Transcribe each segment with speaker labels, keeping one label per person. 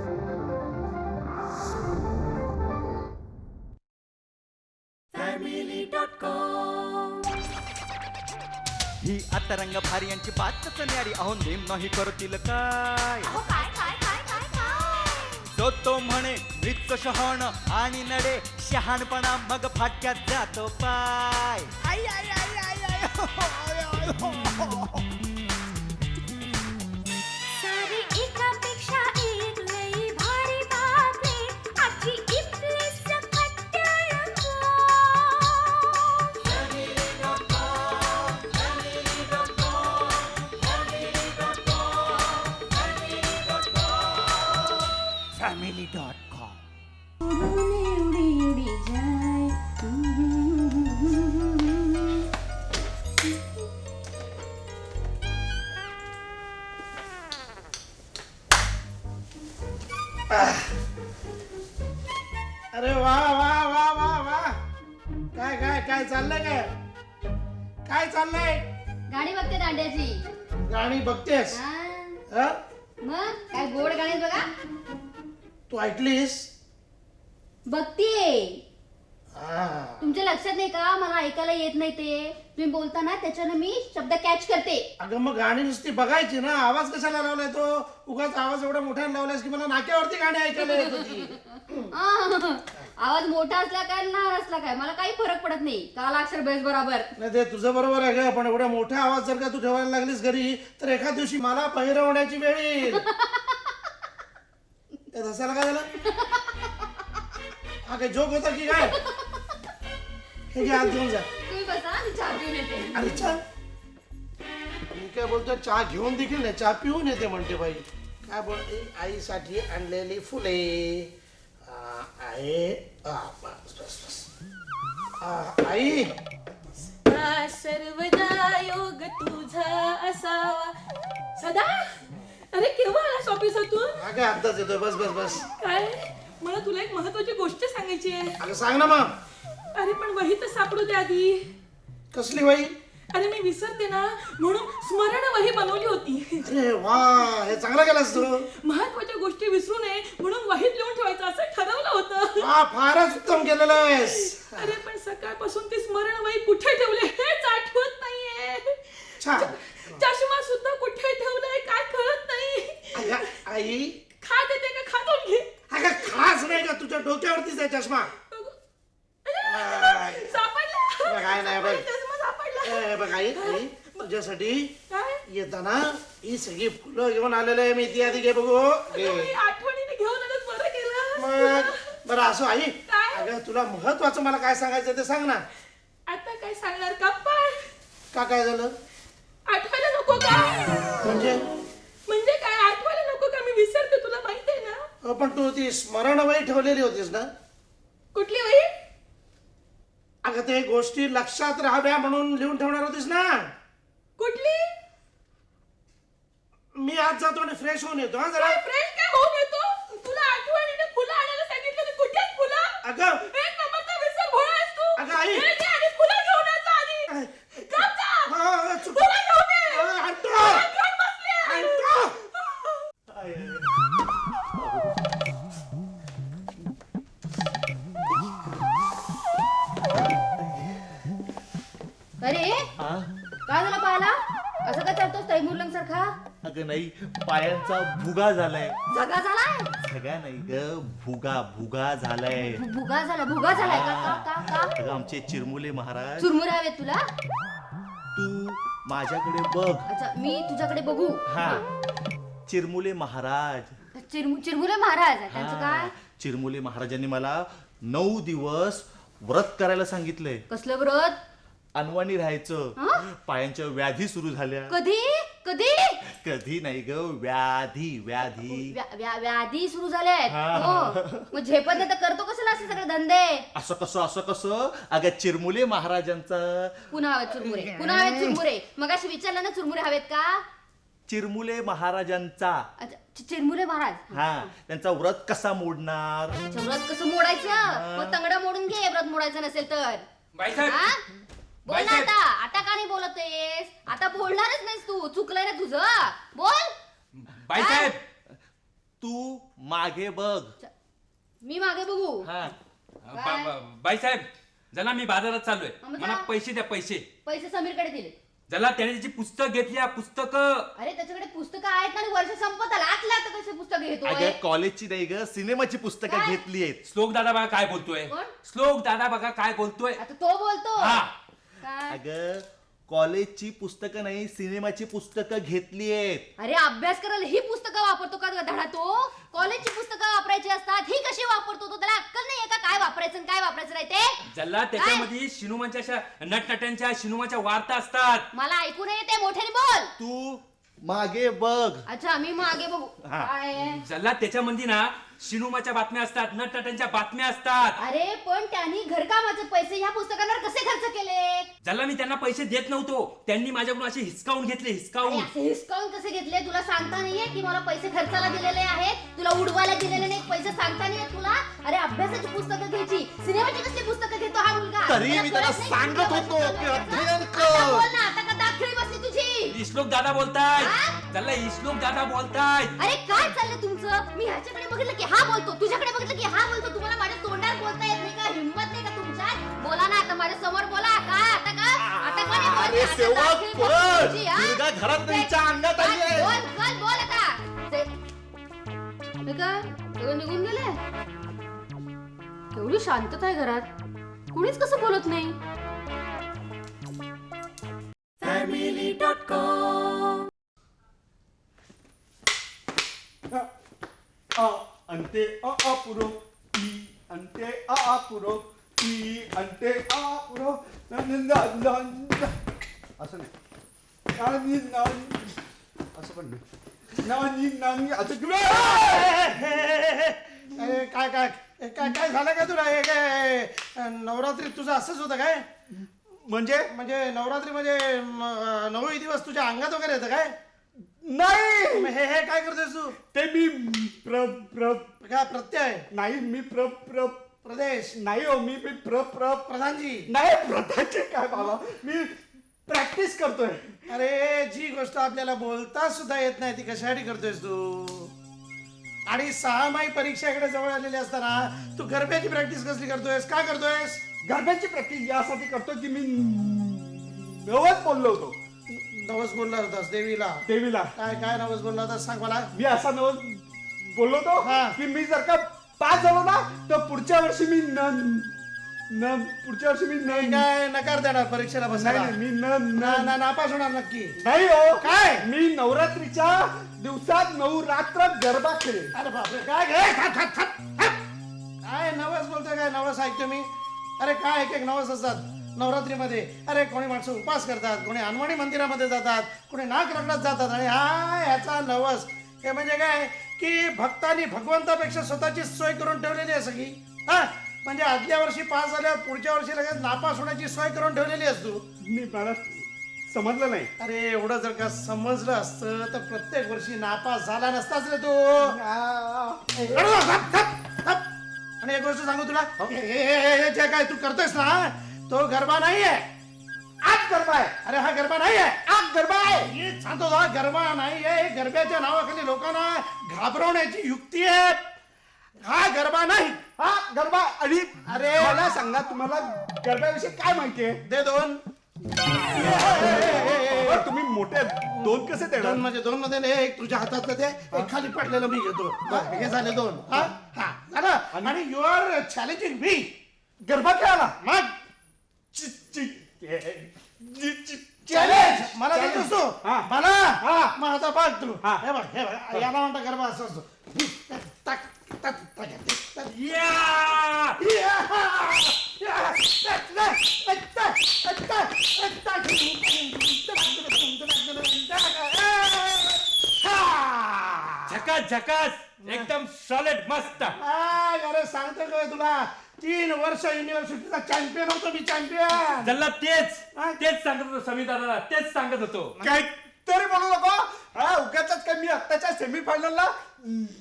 Speaker 1: ही आता रंग भारी यांची बातच न्यारी, अहो नेम नाही करतील काय. तो म्हणे मृत्यू शहाण आणि नडे शहाणपणा, मग फाटक्यात जातो पाय. आई आई आई आई आई हो, आय, आय, हो, हो.
Speaker 2: सारी एकापेक्षा एक लई भारी बातमी, आजची इथली सकट रंगो.
Speaker 1: family.com.
Speaker 2: उडी उडी जाय.
Speaker 3: अरे वा वा वा वा वा, काय काय काय चाललंय, काय चाललंय?
Speaker 4: गाणी बघते दांड्याची.
Speaker 3: गाणी बघतेस?
Speaker 4: हा.
Speaker 3: हं?
Speaker 4: मग काय गोड गाणी बघा.
Speaker 3: तू ऐकलीस?
Speaker 4: बघतीये.
Speaker 3: हा.
Speaker 4: तुमच्या लक्षात नाही का मला ऐकायला येत नाही ते? तुम्ही बोलताना त्याच्यानं मी शब्द कॅच करते.
Speaker 3: अगं मग गाणी नुसती बघायची ना, आवाज कशाला लावलाय तो? उगाच आवाज एवढा मोठ्याने लावलायस की मला नाक्यावरती गाणी ऐकायला येत होती.
Speaker 4: आवाज मोठा असला काय लहान असला काय मला काही फरक पडत नाही. काला अक्षर बेस बरोबर.
Speaker 3: नाही ते तुझं बरोबर आहे ग, पण एवढा मोठा आवाज जर का तू ठेवायला लागलीस घरी तर एखाद दिवशी मला पहिरवण्याची वेळ येईल. त्यात हसायला काय झालं? हा काय जोक होता की काय? हे घे, आत घेऊन जा.
Speaker 4: तुम्ही बसा मी चहा पिऊन येते.
Speaker 3: अरे चहा, मी काय बोलतो, चहा घेऊन देखील नाही, चहा पिऊन येते म्हणते बाई. काय बोलते? आईसाठी आणलेली फुले आहे. बस बस बस. आई,
Speaker 5: सर्वदा योग तुझा असावा सदा. अरे केव्हा आलास ऑफिसातून?
Speaker 3: हा काय आत्ताच येतोय. बस बस बस.
Speaker 5: काय मला तुला एक महत्वाची गोष्ट सांगायची आहे.
Speaker 3: अगं सांग ना मग.
Speaker 5: अरे पण वही तर सापडू दे आधी.
Speaker 3: कसली बाई?
Speaker 5: अरे मी विसरते ना म्हणून स्मरण वही बनवली होती.
Speaker 3: अरे वा, हे चांगलं केलंस तू.
Speaker 5: महत्वाच्या गोष्टी विसरू नये म्हणून वहीत लिहून ठेवायचं असं ठरवलं होतं.
Speaker 3: हा फारच उत्तम केलेलं आहेस.
Speaker 5: अरे पण सकाळपासून ती स्मरण वही कुठे ठेवले हेच आठवत नाहीये.
Speaker 3: छान.
Speaker 5: चष्मा सुद्धा कुठे ठेवलाय काय कळत नाही.
Speaker 3: अगं आई,
Speaker 5: खा देते का खातून घे.
Speaker 3: अगं खास नाही का तुझ्या डोक्यावरतीच आहे चष्मा.
Speaker 5: सापडला.
Speaker 3: काय नाही बघ.
Speaker 5: चष्मा सापडला.
Speaker 3: ए, बघ आई, आई तुझ्यासाठी
Speaker 5: काय?
Speaker 3: येताना ही सगळी फुलं घेऊन आलेलं आहे मी. ती आधी घे बघू. घे.
Speaker 5: तुम्ही आठवणीने घेऊन आलं बरं केलं.
Speaker 3: मग बरं असो आई.
Speaker 5: काय?
Speaker 3: अगं तुला महत्वाचं मला काय सांगायचं ते सांग ना.
Speaker 5: आता काय सांगणार गप्पा?
Speaker 3: का काय झालं?
Speaker 5: आठवायला नको का?
Speaker 3: म्हणजे
Speaker 5: काय आठवायला नको का? मी विसरते तुला माहिती आहे ना.
Speaker 3: पण तू ती स्मरणवही ठेवलेली होतीस ना.
Speaker 5: कुठली वही?
Speaker 3: अगं ते गोष्टी लक्षात राहाव्या म्हणून लिहून ठेवणार होतीस ना.
Speaker 5: कुठली?
Speaker 3: मी आज जातो आणि फ्रेश होऊन येतो. हा जरा.
Speaker 5: फ्रेश काय होऊन येतो? तुला आठवणीने फुलं आणायला सांगितलं तर कुठे आहेत फुलं?
Speaker 3: अगं
Speaker 5: एक नंबरचा विसर भोळा आहेस तू.
Speaker 3: अगं आई.
Speaker 5: हे घे आणि फुलं घेऊन ये जा आधी. जा, जा.
Speaker 3: हा, चुक-
Speaker 5: फुलं घेऊन ये.
Speaker 3: आणतो.
Speaker 5: फुलं घेऊन बसली आहे.
Speaker 3: आणतो.
Speaker 4: अरे काय झालं पायाला? असं काय चालतोस तैमुरलंग सारखा?
Speaker 6: अगं नाही, पायांचा भुगा झालाय.
Speaker 4: जगा झालाय?
Speaker 6: सगळ्या नाही ग, भुगा भुगा झालाय.
Speaker 4: भुगा झालाय का? का का का?
Speaker 6: अगं आमचे चिरमुले महाराज,
Speaker 4: चुरमुरे हवेत तुला?
Speaker 6: तू माझ्याकडे बघ.
Speaker 4: अच्छा मी तुझ्याकडे बघू.
Speaker 6: हा, चिरमुले महाराज.
Speaker 4: चिरमुरे महाराज त्यांचं
Speaker 6: हा,
Speaker 4: काय?
Speaker 6: चिरमुले महाराजांनी मला 9 दिवस व्रत करायला सांगितलंय.
Speaker 4: कसलं व्रत?
Speaker 6: अनवाणी राहायचं.
Speaker 4: हं?
Speaker 6: पायांच्या व्याधी सुरू झाल्या.
Speaker 4: कधी कधी?
Speaker 6: कधी नाही ग, व्याधी व्याधी.
Speaker 4: व्याधी सुरू झाल्यात.
Speaker 6: हा.
Speaker 4: हो मग झेपत नाही तर करतो कसं असे सगळे धंदे?
Speaker 6: असं कसं अगं चिरमुले महाराजांचा.
Speaker 4: पुन्हा हवेत चुरमुरे. मग अशी विचारलं ना चुरमुरे हवेत का?
Speaker 6: चिरमुले महाराजांचा.
Speaker 4: अच्छा चिरमुरे महाराज.
Speaker 6: हा, त्यांचा व्रत कसा मोडणार?
Speaker 4: अच्छा, व्रत कसं मोडायचं? मग तंगडा मोडून घे व्रत मोडायचं नसेल तर.
Speaker 7: बाईसाहेब,
Speaker 4: हा? बोल ना
Speaker 7: बाईसाहेब.
Speaker 4: आता का नाही बोलतेस? आता बोलणारच नाहीस तू. चुकलंय ना तुझं. बोल.
Speaker 7: बाईसाहेब,
Speaker 6: तू मागे बघ.
Speaker 4: मी मागे बघू.
Speaker 6: हा.
Speaker 7: बाईसाहेब जला मी बाजारात चाललोय,
Speaker 4: अमृता.
Speaker 7: मला पैसे द्या पैसे.
Speaker 4: पैसे समीरकडे दिले.
Speaker 7: जला त्याने त्याची पुस्तक घेतली, पुस्तकं.
Speaker 4: अरे त्याच्याकडे पुस्तकं आहेत ना, आणि वर्ष संपत आलं, आता कसे पुस्तक घेतोय?
Speaker 6: अगं कॉलेजची नाही ग, सिनेमाची पुस्तकं
Speaker 4: काय?
Speaker 6: घेतली आहेत.
Speaker 7: श्लोक दादा बघा काय बोलतोय.
Speaker 4: कोण?
Speaker 7: श्लोक दादा बघा काय बोलतोय.
Speaker 4: आता तो बोलतो.
Speaker 7: हा.
Speaker 4: काय?
Speaker 6: अगं कॉलेजची पुस्तकं नाही, सिनेमाची पुस्तकं घेतली आहेत.
Speaker 4: अरे अभ्यास करायला ही पुस्तकं वापरतो का धडा तो? कॉलेजची पुस्तकं वापरायची असतात, ही कशी वापरतो तो? त्याला अक्कल नाहीये का काय वापरायचं आणि काय वापरायचं नाही ते?
Speaker 7: जल्ला त्याच्यामध्ये शिनुमाच्या अशा नटनट्यांच्या शिनुमाच्या वार्ता असतात.
Speaker 4: मला ऐकू नाही येते, मोठ्याने बोल.
Speaker 6: तू मागे बघ.
Speaker 4: अच्छा मी मागे बघू.
Speaker 6: हा.
Speaker 4: काय आहे?
Speaker 7: जल्ला त्याच्यामध्ये ना शिनुमाच्या बातम्या असतात, नटनट्यांच्या बातम्या असतात.
Speaker 4: अरे पण त्यांनी घरकामाचे पैसे ह्या पुस्तकांवर कसे खर्च केले?
Speaker 7: जल्ला मी त्यांना पैसे देत नव्हतो, त्यांनी माझ्याकडून असे हिसकावून घेतले,
Speaker 4: अरे
Speaker 7: हिसकावून.
Speaker 4: असे हिसकावून कसे घेतले? तुला सांगता नाहीये की मला पैसे खर्चाला दिलेले आहेत? तुला उडवायला दिलेले नाही, पैसे सांगता नाहीये तुला? अरे अभ्यासाची पुस्तकं घ्यायची, सिनेमाची कसली पुस्तकं घेतो हा मुलगा?
Speaker 6: तरी मी त्याला
Speaker 4: कळत नाही
Speaker 6: सांगत
Speaker 4: का
Speaker 6: होतो
Speaker 4: पुस्तकं
Speaker 6: की
Speaker 4: घ्यायचं?
Speaker 6: अध्ययन
Speaker 4: आता
Speaker 6: कर.
Speaker 4: बोल ना, आता का दाखली बसली तुझी?
Speaker 7: इश्लोक दादा बोलताय.
Speaker 4: हा?
Speaker 7: जल्ला इश्लोक दादा बोलताय.
Speaker 4: अरे काय चाललंय तुमचं? मी ह्याच्याकडे बघितलं की हा बोलतो, तुझ्याकडे बघितलं की हा बोलतो. तुम्हाला माझ्या तोंडावर बोलता येत नाही का? हिंमत नाही का तुमच्यात? बोला ना आता माझ्या समोर बोला. काय आता का? आता का नाही बोलते?
Speaker 6: अरे
Speaker 4: आता
Speaker 6: सेवक
Speaker 4: दाखली बसली
Speaker 6: पळ.
Speaker 4: तुझी, हा?
Speaker 6: दुर्गा घरात नाही, हिच्या अंगात आली आहे.
Speaker 4: बोल आता. हे काय सगळं निघून गेले? एवढी शांतता आहे घरात, कुणीच कसं बोलत नाही.
Speaker 8: अंते अपुरो ई अंते अपुरो ई अंते अपुरो असं नाही असं पण नाही असं
Speaker 3: काय काय काय काय झालं का तुला? हे काय नवरात्री तुझं असंच होतं काय?
Speaker 8: म्हणजे
Speaker 3: म्हणजे नवरात्री म्हणजे 9 दिवस तुझ्या अंगात वगैरे येतं काय?
Speaker 8: नाही
Speaker 3: मग हे काय करतोस तू?
Speaker 8: ते मी प्र प्र
Speaker 3: काय प्रत्यय?
Speaker 8: नाही मी प्र प्र
Speaker 3: प्रदेश?
Speaker 8: नाही हो मी प्र प्र
Speaker 3: प्रधानजी?
Speaker 8: नाही प्रथाचे काय बाबा मी प्रॅक्टिस करतोय.
Speaker 3: अरे जी गोष्ट आपल्याला बोलता सुद्धा येत नाही ती कशासाठी करतोयस तू? आणि 6 माही परीक्षेकडे जवळ आलेली असताना तू गरब्याची प्रॅक्टिस कसली करतोयस? काय करतोयस?
Speaker 8: गरब्याची प्रॅक्टिस यासाठी करतो की मी नवस बोललो होतो
Speaker 3: नवस बोलला होतास देवीला?
Speaker 8: देवीला.
Speaker 3: काय काय नवस बोलला होतास सांग मला.
Speaker 8: मी असा नवस बोललो होतो
Speaker 3: हा.
Speaker 8: की मी जर का पास झालो ना तर पुढच्या वर्षी मी पुढच्या वर्षी मी
Speaker 3: मी काय नकार देणार परीक्षेला बसायला?
Speaker 8: नाही मी
Speaker 3: नापास होणार नक्की.
Speaker 8: नाही हो
Speaker 3: काय?
Speaker 8: मी नवरात्रीच्या दिवसात 9 रात्र गरबा खेळे.
Speaker 3: अरे बापरे काय घे काय नवस बोलतोय? काय नवस ऐकतो मी? अरे काय एक नवस असतात नवरात्रीमध्ये. अरे कोणी माणसं उपास करतात, कोणी हनुमानी मंदिरामध्ये जातात, कोणी नाक रगडत जातात, आणि हा ह्याचा नवस. हे म्हणजे काय की भक्तांनी भगवंतापेक्षा स्वतःची सोय करून ठेवलेली आहे सगळी. हा म्हणजे आदल्या वर्षी पास झाल्यावर पुढच्या वर्षी लगेच नापास होण्याची सोय करून ठेवलेली आहेस तू.
Speaker 8: मला समजलं नाही.
Speaker 3: अरे एवढं जर का समजलं असतं तर प्रत्येक वर्षी नापास झाला नसताच रे तू. आणि एक गोष्ट सांगू तुला, हे जे काय तू करतोयस ना तो गरबा नाहीये,
Speaker 8: आज गरबा आहे.
Speaker 3: अरे हा गरबा नाहीये,
Speaker 8: आज गरबा आहे.
Speaker 3: हे सांगतो हा गरबा नाहीये. हे गरब्याच्या नावाखाली लोकांना घाबरवण्याची युक्ती आहे. हा गरबा नाही,
Speaker 8: हा गरबा. आणि
Speaker 3: अरे
Speaker 8: मला सांगा तुम्हाला गरब्याविषयी काय माहितीये?
Speaker 3: दे 2.
Speaker 8: तुम्ही मोठे 2 कसे देणार?
Speaker 3: 2 म्हणजे 2 मध्ये एक तुझ्या हातातलं ते एक खाली पडलेलं मी घेतो. हे झाले 2. हा हा झालं. आणि यू आर चॅलेंजिंग मी
Speaker 8: गरबा खेळायला
Speaker 3: मग
Speaker 8: चॅलेंज
Speaker 3: चॅलेंज मला देतोस तू?
Speaker 8: हा.
Speaker 3: मला?
Speaker 8: हा.
Speaker 3: मग आता बघ तू.
Speaker 8: हा.
Speaker 3: हे बघ याला म्हणता गरबा असं असतो. टक, टक, टक, टक.
Speaker 7: या! झकास झकास एकदम सॉलिड मस्त.
Speaker 3: अरे सांगतो काय तुला, 3 वर्ष युनिव्हर्सिटीचा चॅम्पियन होतो मी, चॅम्पियन.
Speaker 7: जल्ला तेच सांगत होतो समिताला, तेच सांगत होतो.
Speaker 8: काय तरी बोलू नको. हा उगाच काय मी आत्ताच्या सेमीफायनलला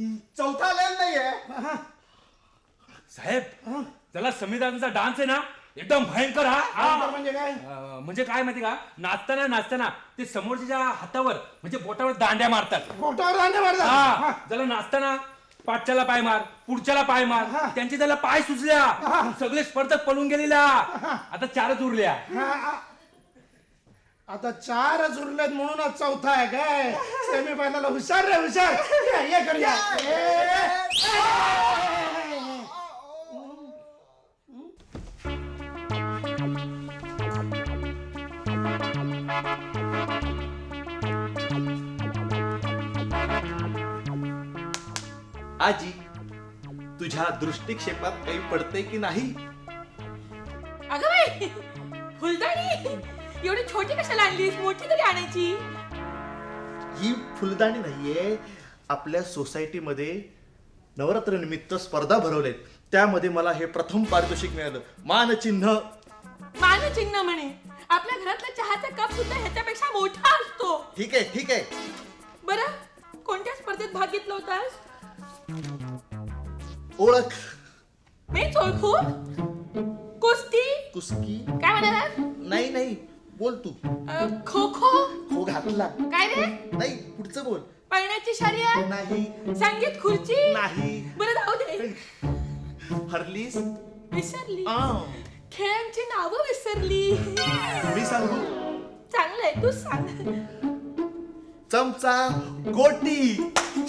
Speaker 8: 4था आलेला नाहीये.
Speaker 7: साहेब जला समिताचा डान्स आहे ना एकदम भयंकर हा
Speaker 3: भयंकर म्हणजे काय?
Speaker 7: म्हणजे काय माहिती का, नाचताना ते समोरच्या हातावर म्हणजे बोटावर दांड्या मारतात.
Speaker 3: पोटावर दांड्या
Speaker 7: हा
Speaker 3: मारतात.
Speaker 7: त्याला नाचताना पाठच्याला पाय मार, पुढच्याला पाय मार, त्यांचे त्याला पाय सुचल्या, सगळे स्पर्धक पळून गेलेल्या, आता 4च उरल्या.
Speaker 3: आता 4च उरलेत म्हणूनच चौथा आहे काय? सेमी फायनल हुशार रे हुशार. ये करूया.
Speaker 6: आजी तुझ्या दृष्टिक्षेपात काही पडते की नाही?
Speaker 5: अगं बाई, फुलदाणी एवढी छोटी कशाला आणलीस? मोठी तरी आणायची.
Speaker 6: ही फुलदाणी नाहीये, आपल्या सोसायटीमध्ये नवरात्र निमित्त स्पर्धा भरवलेत, त्यामध्ये मला हे प्रथम पारितोषिक मिळालं. मानचिन्ह.
Speaker 5: मानचिन्ह म्हणे. आपल्या घरातला चहाचा कप सुद्धा ह्याच्यापेक्षा मोठा असतो.
Speaker 6: ठीक आहे ठीक आहे.
Speaker 5: बरं, कोणत्या स्पर्धेत भाग घेतला होतास?
Speaker 6: ओळख.
Speaker 5: मीच ओळखू? कुस्ती?
Speaker 6: कुस्की.
Speaker 5: काय म्हणाला?
Speaker 6: नाही नाही, बोल तू.
Speaker 5: खो खो?
Speaker 6: हो घातला.
Speaker 5: काय रे?
Speaker 6: नाही, पुढचं बोल.
Speaker 5: पळण्याची शर्यत?
Speaker 6: नाही.
Speaker 5: संगीत खुर्ची?
Speaker 6: नाही.
Speaker 5: बरं जाऊ दे.
Speaker 6: हरलीस?
Speaker 5: विसरली.
Speaker 6: आ,
Speaker 5: खेळांची नावं विसरली.
Speaker 6: मी सांगू?
Speaker 5: चांगलंय, तू सांग.
Speaker 6: चमचा, गोटी.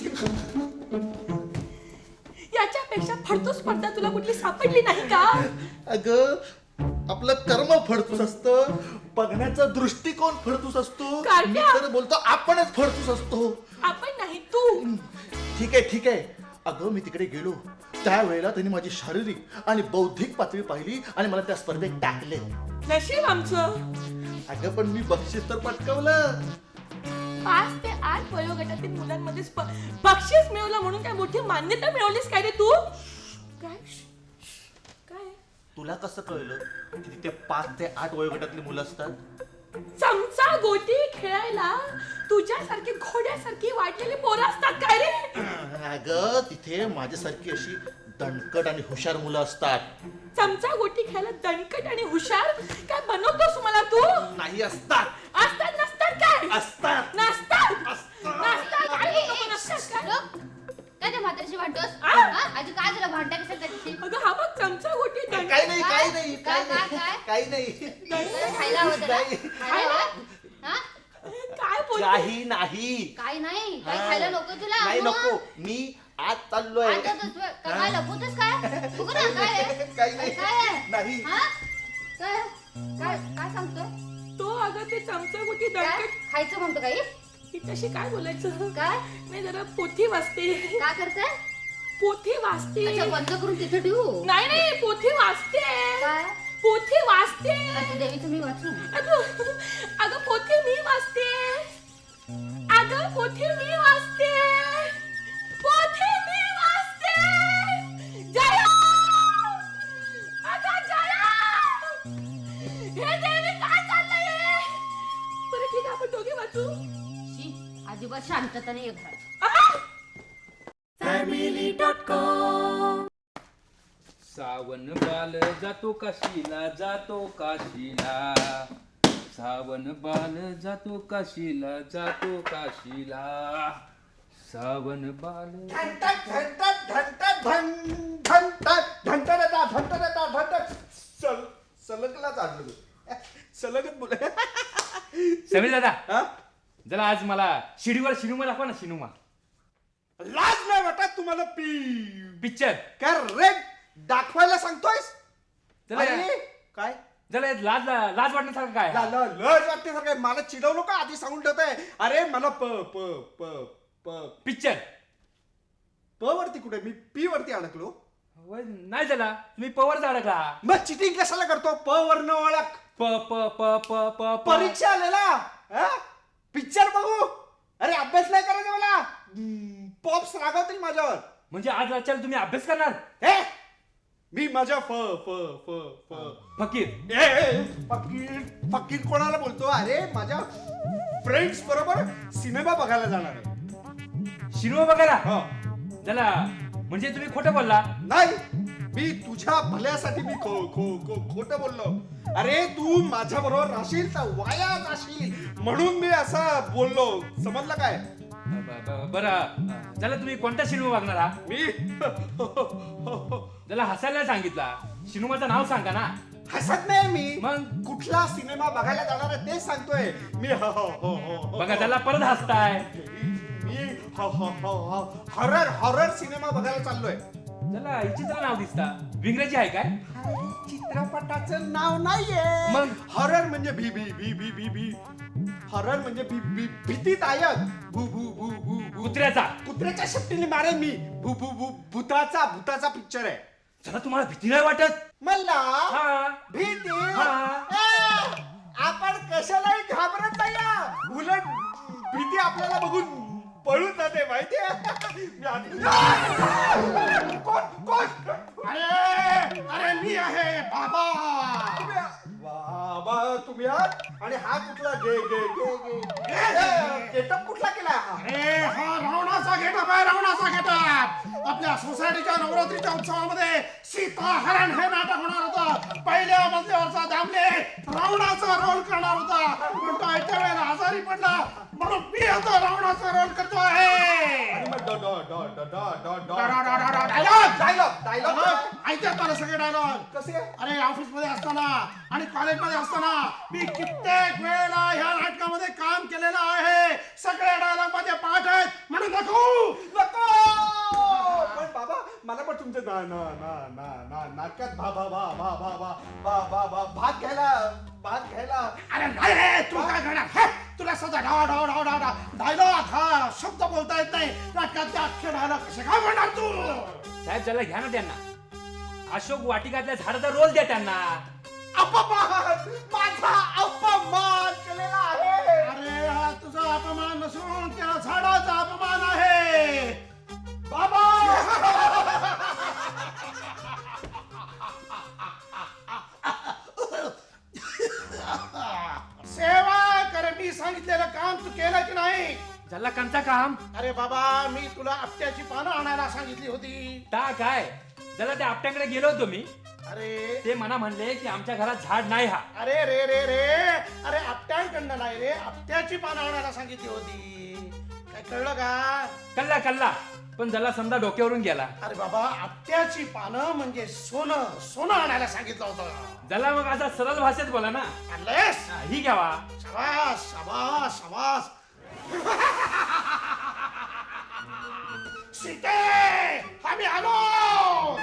Speaker 5: याच्यापेक्षा फडतो स्पर्धा तुला कुठली सापडली नाही का?
Speaker 6: अगं, आपलं कर्म फडतूस असतं, बघण्याचा दृष्टिकोन फडतूस असतो.
Speaker 5: कारट्या.
Speaker 6: मी तर बोलतो आपणच फडतूस असतो.
Speaker 5: आपण नाही, तू.
Speaker 6: ठीक आहे ठीक आहे. अगं, मी तिकडे गेलो त्यावेळेला त्यांनी माझी शारीरिक आणि बौद्धिक पातळी पाहिली आणि मला त्या स्पर्धेत टाकले.
Speaker 5: नशीब आमचं.
Speaker 6: अगं, पण मी बक्षीस तर पटकवलं.
Speaker 5: 5 ते 8 वयोगटातील मुलांमध्ये बक्षीस मिळवलं म्हणून काय मोठी मान्यता मिळवलीस काय रे तू? काय? काय?
Speaker 6: तुला कसं कळलं की तिथे 5 ते 8 वयोगटातली मुलं असतात?
Speaker 5: चमचा गोटी खेळायला तुझ्यासारखी घोड्यासारखी वाटलेली पोरं असतात काय रे?
Speaker 6: अगं, तिथे माझ्यासारखी अशी दणकट आणि हुशार मुलं असतात.
Speaker 5: चमचा गोटी खेळायला दणकट आणि हुशार काय बनवतोस मला तू?
Speaker 6: नाही, असतात.
Speaker 5: असतात नसतात काय?
Speaker 6: असतात.
Speaker 5: नसतात. नसतात. काय
Speaker 4: ए,
Speaker 5: नको नसतात काय?
Speaker 4: लोक, काय त्या म्हातारीशी भांडतोस?
Speaker 5: आ?
Speaker 4: हा? आजी काय झालं, भांडता कसं त्याच्याशी?
Speaker 5: अगं हा बघ चमचा गोटी
Speaker 6: काही नाही काही नाही
Speaker 4: काय,
Speaker 6: काही
Speaker 4: काय,
Speaker 6: नाही काही नाही.
Speaker 4: तुला खायला हवं त्याला?
Speaker 6: नाही.
Speaker 4: खायला हवं? हा?
Speaker 5: काय बोल
Speaker 6: काही नाही.
Speaker 4: काय नाही, काय
Speaker 6: हा.
Speaker 4: खायला नको तुला?
Speaker 6: नाही
Speaker 4: मग?
Speaker 6: नको. मी आज चाललोय.
Speaker 4: आता तर काय लपवतोस काय? बघू ना, काय आहे?
Speaker 6: काही नाही.
Speaker 4: काय आहे?
Speaker 6: नाही.
Speaker 4: हा? काय काय काय सांगतोय?
Speaker 5: तो अगं ते चमचा गोटी
Speaker 4: काय
Speaker 5: दणकट
Speaker 4: खायचं म्हणतो काही?
Speaker 5: हिच्याशी काय बोलायचं?
Speaker 4: काय
Speaker 5: मी जरा पोथी वाचते.
Speaker 4: काय करताय?
Speaker 5: पोथी वाचते.
Speaker 4: अच्छा, बंद करून तिथे ठेवू.
Speaker 5: नाही नाही, पोथी वाचते.
Speaker 4: काय
Speaker 5: पोथी वाचते.
Speaker 4: अच्छा, देवीचं मी वाचू.
Speaker 5: अगं पोथी मी वाचते. अगं पोथी मी वाचते. पोथी मी वाचते. जया! अगं जया! हे देवी काय चाललंय? बरं ठीक आहे, आपण दोघे वाचू.
Speaker 4: शी, अजिबात शांतता नाही घरात.
Speaker 7: सावन बाल जातो काशीला, जातो काशीला. सावन बाल जातो काशीला, जातो काशीला. सावन बाल.
Speaker 8: घंटक घंटक घंटक घंटक घंटक घंटक घंटक सलगलाच आणलं तू. सलगच बोल.
Speaker 7: समीर दादा,
Speaker 8: हा?
Speaker 7: जरा आज मला शिनुमा दाखवा ना, शिनुमा
Speaker 8: लाज नाही वाटत तुम्हाला
Speaker 7: पिक्चर.
Speaker 8: काय रेड दाखवायला सांगतोयस?
Speaker 7: चला.
Speaker 8: अरे, काय
Speaker 7: जरा लाज वाटण्यासारखं काय?
Speaker 8: लज वाटते सर काय? मला चिडवू नका, आधी सांगून ठेवतोय. अरे मला प प प प
Speaker 7: पिक्चर.
Speaker 8: प वरती कुठे? मी पी वरती अडकलो.
Speaker 7: नाही झाला, तुम्ही पवर अडकला.
Speaker 8: मग चिटिंग कशाला करतो? प वरनं ओळख.
Speaker 7: प प प प प प.
Speaker 8: परीक्षा आलेला पिक्चर बघू. अरे अभ्यास नाही करायचा मला. पॉप्स रागवतील माझ्यावर.
Speaker 7: म्हणजे आज रात्री तुम्ही अभ्यास करणार?
Speaker 8: हे मी माझ्या फ फ फ फ
Speaker 7: फकीर.
Speaker 8: फकीर फकीर कोणाला बोलतो? अरे माझ्या फ्रेंड्स बरोबर सिनेमा बघायला जाणार आहे.
Speaker 7: शिनुमा बघायला?
Speaker 8: हो.
Speaker 7: झाला म्हणजे तुम्ही खोटं बोलला.
Speaker 8: नाही मी तुझ्या भल्यासाठी मी खोटं बोललो. अरे तू माझ्या बरोबर राहशील तर वाया जाशील म्हणून मी असं बोललो, समजलं काय?
Speaker 7: बरं त्याला तुम्ही कोणता सिनेमा बघणार आहात?
Speaker 8: मी
Speaker 7: त्याला हसायला सांगितला, सिनेमाचं नाव सांगा ना.
Speaker 8: हसत नाही मी,
Speaker 7: मग?
Speaker 8: कुठला सिनेमा बघायला जाणार आहे तेच सांगतोय मी.
Speaker 7: बघा त्याला परत हसताय.
Speaker 8: मी हॉरर सिनेमा बघायला चाललोय.
Speaker 7: त्याला हिचं नाव दिसता विंग्रजी आहे काय?
Speaker 8: चित्रपटाचं नाव नाहीये.
Speaker 7: मग?
Speaker 8: हॉरर म्हणजे भी भी भी भी भी भी हॉरर म्हणजे भीतीदायक. भू भू भू भू भू
Speaker 7: कुत्र्याचा.
Speaker 8: कुत्र्याच्या शेपटीने मारेन मी. भू भू भू भूताचा पिक्चर आहे.
Speaker 7: त्याला तुम्हाला भीती नाही वाटत?
Speaker 8: मला
Speaker 7: हा.
Speaker 8: भीती
Speaker 7: हा.
Speaker 8: ए, आपण कशालाही घाबरत नाही. उलट भीती आपल्याला बघून पळून जाते माहितीये. कोण
Speaker 3: अरे मी आहे बाबा.
Speaker 8: बाबा तुम्ही आहात? आणि हा कुठला गेटअप कुठला केला?
Speaker 3: अरे हा रावणाचा गेटअप आहे, रावणाचा गेटअप. आपल्या सोसायटीच्या नवरात्रीच्या उत्सवामध्ये सीताहरण हे नाटक होणार होतं. पहिल्या मजल्यावरचा दामले रावणाचा रोल करणार होता, पण तो ऐकत्या वेळेला आजारी पडला म्हणून मी आता रावणाचा रोल करतो आहे.
Speaker 8: डायलॉग
Speaker 3: ऐकतात मला सगळे डायलॉग.
Speaker 8: कसे?
Speaker 3: अरे ऑफिस मध्ये असताना आणि कॉलेजमध्ये असताना मी कित्येक वेळेला ह्या नाटकामध्ये काम केलेलं आहे. सगळे डायलॉग माझे पाठ आहेत म्हणून नको.
Speaker 8: पण बाबा मला पण तुमच्या नाटकात भाग घ्यायला.
Speaker 3: अरे नाही रे, तू काय करणार? हे, तुला सध्या डायलॉग हा शब्द बोलता येत नाही. नाटकात अख्खे डायलॉग कसे काय म्हणणार तू?
Speaker 7: साहेब त्याला घ्या ना त्यांना. अशोक वाटिकातल्या झाडाचा रोल द्या त्यांना.
Speaker 8: अपमान, माझा अपमान केलेला आहे.
Speaker 3: अरे हा तुझा अपमान नसून त्या झाडाचा अपमान आहे
Speaker 8: बाबा.
Speaker 3: सेवा कर, मी सांगितलेलं काम तू केलं की नाही?
Speaker 7: झाला कंचा काम.
Speaker 3: अरे बाबा मी तुला आपट्याची पानं आणायला सांगितली होती.
Speaker 7: ता काय त्याला त्या आपट्याकडे गेलो होतो मी.
Speaker 3: अरे
Speaker 7: ते मला म्हणले की आमच्या घरात झाड नाही. हा
Speaker 3: अरे रे रे रे अरे आपट्यांकडनं नाही रे, आपट्याची पानं आणायला सांगितली होती. काय कळलं का?
Speaker 7: कल्ला कल्ला, पण ज्याला समजा डोक्यावरून गेला.
Speaker 3: अरे बाबा आपट्याची पानं म्हणजे सोनं, सोनं आणायला सांगितलं होतं.
Speaker 7: ज्याला मग असा सरळ भाषेत बोला ना.
Speaker 3: आणलेस?
Speaker 7: हा, ही घ्यावा.
Speaker 3: शाबास शाबास शाबास. सीते आम्ही आलो.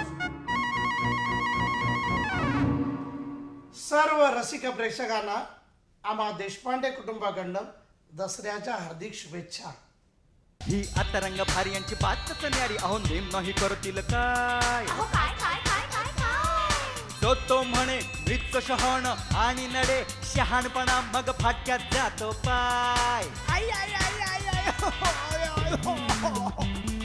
Speaker 3: सर्व रसिक प्रेक्षकांना आम्हा देशपांडे कुटुंबाकडनं दसऱ्याच्या हार्दिक शुभेच्छा.
Speaker 1: ही आता रंग भारी यांची बातच न्यारी. अहो नेम नाही करतील काय.
Speaker 4: अहो काय काय काय काय काय
Speaker 1: तो म्हणे मृत्यू शहाण आणि नडे शहाणपणा मग फाटक्यात जातो पाय. आई आई आई आई आई हो, हो, हो, हो.